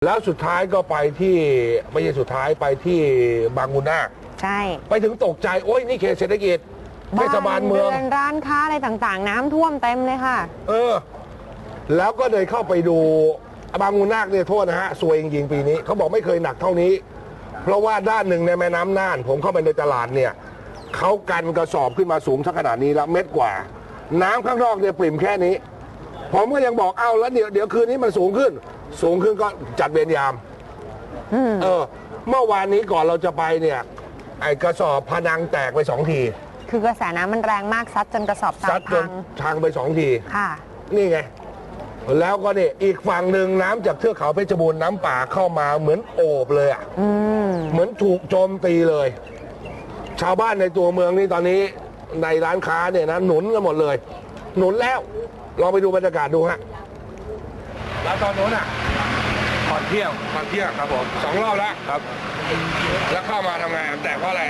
แล้วสุดท้ายก็ไปที่ไม่ใช่สุดท้ายไปที่บางมุนาใช่ไปถึงตกใจโอ้ยนี่เขตเศรษฐกิจเทศบาลเมืองร้านค้าอะไรต่างๆน้ำท่วมเต็มเลยค่ะแล้วก็เลยเข้าไปดูบางมุนาเนี่ยโทษนะฮะซวยจริงๆปีนี้เขาบอกไม่เคยหนักเท่านี้เพราะว่าด้านหนึ่งในแม่น้ำน่านผมเข้าไปในตลาดเนี่ยเขากันกระสอบขึ้นมาสูงสักขนาดนี้แล้วเม็ดกว่าน้ำข้างนอกเนี่ยปริ่มแค่นี้ผมก็ยังบอกแล้วเดี๋ยวคืนนี้มันสูงขึ้นก็จัดเวรยามเมื่อวานนี้ก่อนเราจะไปเนี่ยไอ้กระสอบพนังแตกไป2 ทีคือกระแสน้ำมันแรงมากซัดจนกระสอบทรายพังไป2 ทีค่ะนี่ไงแล้วก็นี่อีกฝั่งหนึ่งน้ำจากเทือกเขาเพชรบูรณ์น้ำป่าเข้ามาเหมือนโอบเลยอ่ะเหมือนถูกโจมตีเลยชาวบ้านในตัวเมืองนี่ตอนนี้ในร้านค้าเนี่ยนะหนุนกันหมดเลยหนุนแล้วลองไปดูบรรยากาศดูฮะแล้วตอนนู้นอ่ะก่อนเที่ยงครับผม2 รอบแล้วครับแล้วเข้ามาทำไงแตกเพราะอะไร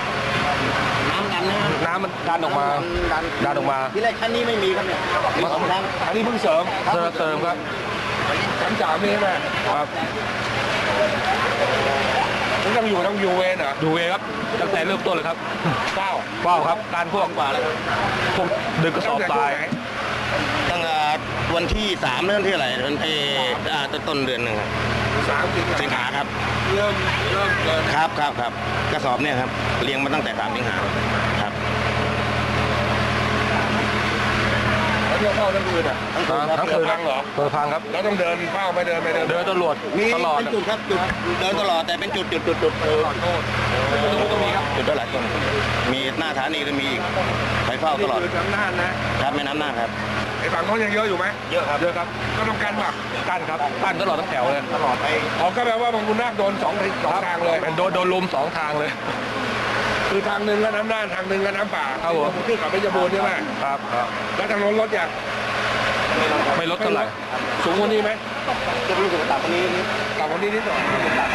น้ำมันดันออกมาที่แรกชั้นนี้ไม่มีครับเนี่ยมี2 ครั้งอันนี้เพิ่งเสริมครับชั้น3นี่ใช่ไหมครับต้องอยู่เวรเหรออยู่เวรครับตั้งแต่เริ่มต้นเลยครับเฝ้าครับการพวกดึกกระสอบทรายตั้งแต่วันที่3เรื่องที่อะไรวันที่ต้นเดือนหนึ่งครับสิงหาครับเริ่มครับกระสอบเนี่ยครับเรียงมาตั้งแต่3 สิงหาครับเข้าทั้งคืนอ่ะทั้งคืนพังเหรอพังครับแล้วต้องเดินเฝ้าไม่เดินตลอดเป็นจุดครับจุดเดินตลอดแต่เป็นจุดขอโทษก็มีครับจุดหลายต้นมีหน้าฐานีก็มีอีกไปเฝ้าตลอดน้ำน่านนะครับไม่น้ำน่านครับไอ้ฝั่งโน้นยังเยอะอยู่ไหมเยอะครับก็ต้องกันป่ะกั้นครับกั้นตลอดทั้งแถวเลยตลอดไปก็แปลว่าบางมุนาโดน2 ทางเลยโดนลุม2 ทางเลยคือทางหนึ่งก็น้ำน่านทางหนึ่งก็น้ำป่าครับผมขึ้นกับเพชรบูรณ์ใช่ไหมครับแล้วทางโน้นรถอย่างไม่ลดเท่าไหร่สูงกว่านี้ไหมจะรู้สึกต่ำกว่านี้นิดหน่อย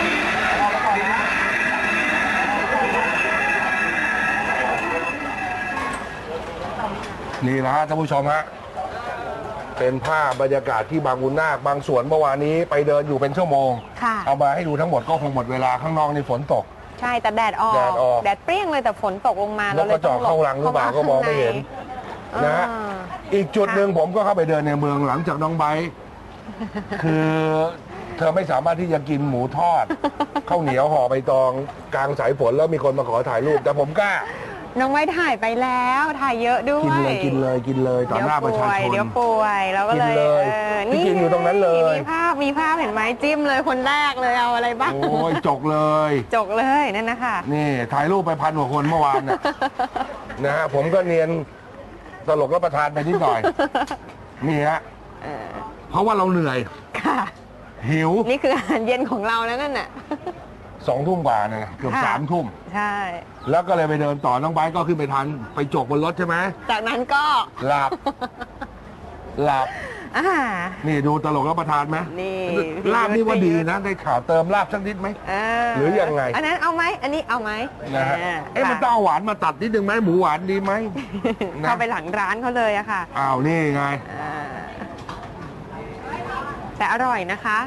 นี่นะฮะท่านผู้ชมฮะเป็นภาพบรรยากาศที่บางมุนาบางส่วนเมื่อวานนี้ไปเดินอยู่เป็นชั่วโมงเอามาให้ดูทั้งหมดก็คงหมดเวลาข้างนอกนี่ฝนตกใช่แต่แดดออกแดดเปรี้ยงเลยแต่ฝนตกลงมาแล้วก็จอดเข้าหลังหรือเปล่าก็มองไม่เห็นนะฮะอีกจุดหนึ่งผมก็เข้าไปเดินในเมืองหลังจากน้องไบร์ทคือเธอไม่สามารถที่จะกินหมูทอดข้าวเหนียวห่อใบตองกลางสายฝนแล้วมีคนมาขอถ่ายรูปแต่ผมกล้าน้องไว้ถ่ายไปแล้วถ่ายเยอะด้วยกินเลยต่อหน้าประชาชนเดี๋ยวป่วยแล้วก็เลยนี่กินอยู่ตรงนั้นเลยมีภาพเห็นไหมจิ้มเลยคนแรกเลยเอาอะไรบ้างโอ้ยจกเลยนั่นนะคะนี่ถ่ายรูปไป1,000 กว่าคนเมื่อวานนะฮะผมก็เนียนตลกรับประทานไปนิดหน่อยนี่ฮะเพราะว่าเราเหนื่อยค่ะหิวนี่คืออาหารเย็นของเราแล้วนั่นน่ะ 2 ทุ่มกว่าเนี่ยเกือบ3 ทุ่มใช่แล้วก็เลยไปเดินต่อน้องไบร์ทก็ขึ้นไปทานไปจกบนรถใช่ไหมจากนั้นก็หลับนี่ดูตลกรับประทานไหมนี่ลาบนี่ว่าดีนะได้ข่าวเติมลาบสักนิดไหมหรือยังไงอันนั้นเอาไหมอันนี้เอาไหมนะฮะมันต้องหวานมาตัดนิดนึงไหมหมูหวานดีไหมเข้าไปหลังร้านเขาเลยอะค่ะนี่ไงแต่อร่อยนะคะ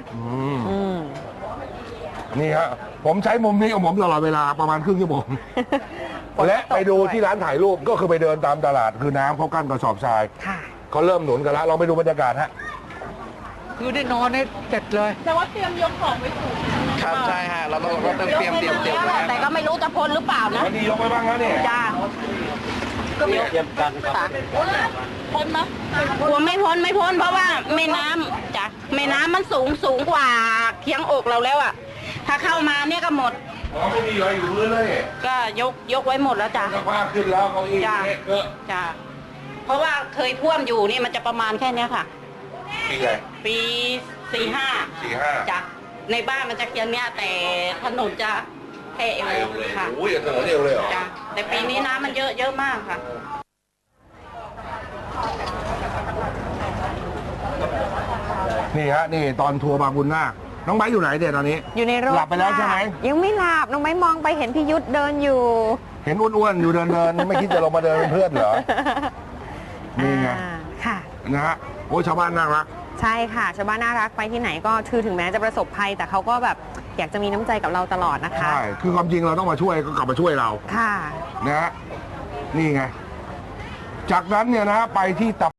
นี่ฮะผมใช้มุมนี้ของผมตลอดเวลาประมาณครึ่งชั่วโมงและไปดูที่ร้านถ่ายรูปก็คือไปเดินตามตลาดคือน้ำเขากั้นกระสอบทรายเขาเริ่มหนุนกันแล้วลองไปดูบรรยากาศฮะคือได้นอนได้เสร็จเลยแต่ว่าเตรียมยกของไว้ถูกครับใช่ฮะเราต้องเตรียมแต่ก็ไม่รู้จะพ้นหรือเปล่านะวันนี้ยกไปบ้างแล้วเนี่ยจ้าก็เตรียมกันครับพ้นไหมกลัวไม่พ้นเพราะว่าแม่น้ำจ้ะแม่น้ำมันสูงกว่าเคียงอกเราแล้วอ่ะถ้าเข้ามาเนี่ยก็หมดไม่มีอะไรอยู่พื้นเลยก็ยกไว้หมดแล้วจ้ะภาพขึ้นแล้วเขาอีกจ้ะเพราะว่าเคยท่วมอยู่นี่มันจะประมาณแค่นี้ค่ะปี45จ้ะในบ้านมันจะเคียงเนี้ยแต่ถนนจะแค่เอวค่ะโอ้ยถนนเอวเลยเหรอจ้ะแต่ปีนี้น้ำมันเยอะมากค่ะนี่ฮะนี่ตอนทัวร์บางบุญนาคน้องไบร์ทอยู่ไหนเดี๋ยวตอนนี้อยู่ในรถหลับไปแล้วใช่ไหมยังไม่หลับน้องไบร์ทมองไปเห็นพี่ยุทธเดินอยู่เห็นอ้วนๆอยู่เดินไม่คิดจะลงมาเดินเป็นเพื่อนเหรอนี่ไงค่ะนะฮะโอ้ชาวบ้านน่ารักใช่ค่ะชาวบ้านน่ารักไปที่ไหนก็คือถึงแม้จะประสบภัย แต่เขาก็แบบอยากจะมีน้ำใจกับเราตลอดนะคะใช่ คือความจริงเราต้องมาช่วยก็กลับมาช่วยเราค่ะนะฮะ นี่ไง จากนั้นเนี่ยนะฮะไปที่